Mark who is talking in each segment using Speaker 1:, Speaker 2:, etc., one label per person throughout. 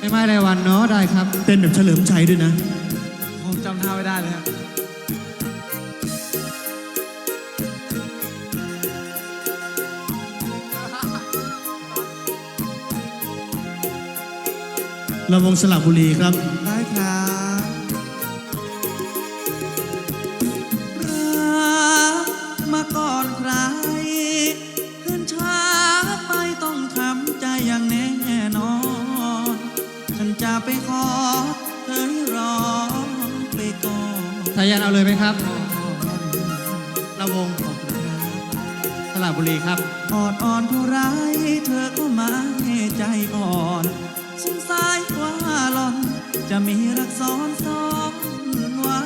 Speaker 1: ไม่ไม่รายวันเนาะได้ครับ
Speaker 2: เต้นแบบเฉลิมชัยด้วยนะ
Speaker 3: ผมจำท่าไม่ได้เลยครับ
Speaker 2: ลำวงสระบุรีครับ
Speaker 3: ได้ครับรักมาก่อนใครขึ้นช้าไปต้องทำใจอย่างแน่นอนฉันจะไปขอเธอให้รอไปก่อน
Speaker 1: สายันเอาเลยไหมครับลำวงสระบุรีครับ
Speaker 3: อดอ่อนเท่าไรเธอก็มาให้ใจอ่อนสงสัยว่าหล่อนจะมีรักซ้อนไว้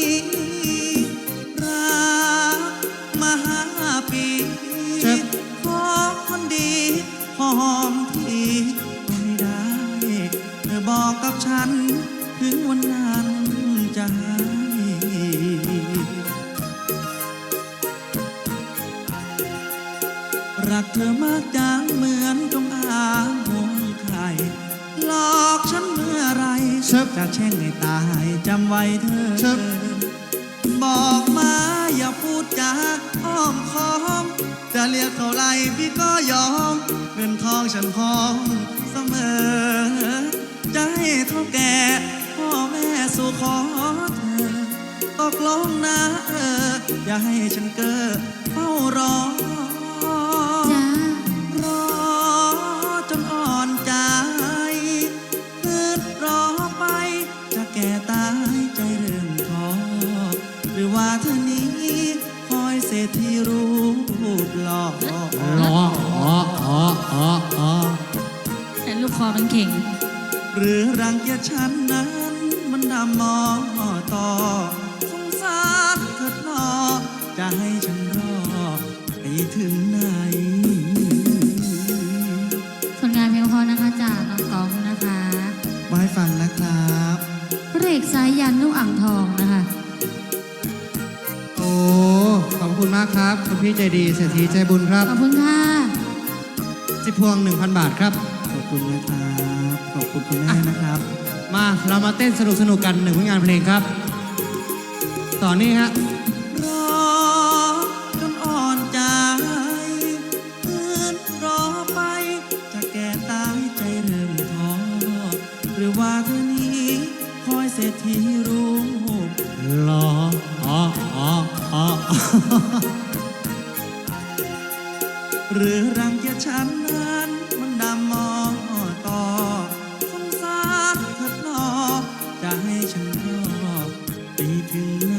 Speaker 3: รักมา5 ปีขอคนดีขอหอมทีก็ไม่ได้เธอบอกกับฉันถึงวันนั้นจะให้รักเธอมากจังเหมือนจงอางห่วงใครหลอกฉันเมื่อไรจะแช่งให้ตายจำไว้เธอบอกมาอย่าพูดจาอ้อมค้อมจะเรียกเท่าไรพี่ก็ยอมเงินทองฉันพร้อมเสมอจะให้เท่าแก่พ่อแม่สู่ขอเธอตกลงนะอย่าให้ฉันเก้อเฝ้ารอรอจนอ่อนใจคืนรอไปจะแก่ตายใจเริ่มท้อหรือว่าเธอนี้คอยเศรษฐีรูปหล่อ
Speaker 4: แต่ลูกคอมันเข่ง
Speaker 3: หรือรังเกียจฉันนั้นมันดำมอต่อสงสารเถิดหนอจะให้ฉันรอไปถึงไหน
Speaker 4: ผลงานเพลงพอนะคะจากน้องกองนะคะ
Speaker 3: มาให้ฟังนะครับ
Speaker 4: เรกสายยันลูกอ่างทองนะคะ
Speaker 1: โอ้ขอบคุณมากครับคุณพี่ใจดีเศรษฐีใจบุญครับ
Speaker 4: ขอบคุณค่ะ
Speaker 1: จิพวง 1,000 บาทครับ
Speaker 3: ขอบคุณนะครับขอบคุณคุณแม่นะครับ
Speaker 1: มาเรามาเต้นสนุกกัน1ผลงานเพลงครับต่อนี้ฮะ
Speaker 3: รอจนอ่อนใจคืนรอไปจะแก่ตายใจเริ่มท้อหรือว่าเธอนี้คอยเศรษฐีรูป
Speaker 1: หล่อ
Speaker 3: หรือรังเกียจฉันนั้นมันดำมอต่อสงสารเถิดหนอจะให้ฉันรอไปถึงไหน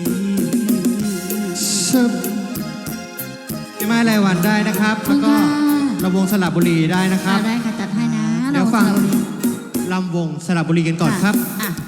Speaker 1: พี่ไม้รายวันได้นะครับแล้วก็ลำวงสระบุรีได้นะครับ
Speaker 4: ได้ค่ะจัดให้นะ
Speaker 1: เดี๋ยวฟังลำวงสระบุรีกันก่อนครับ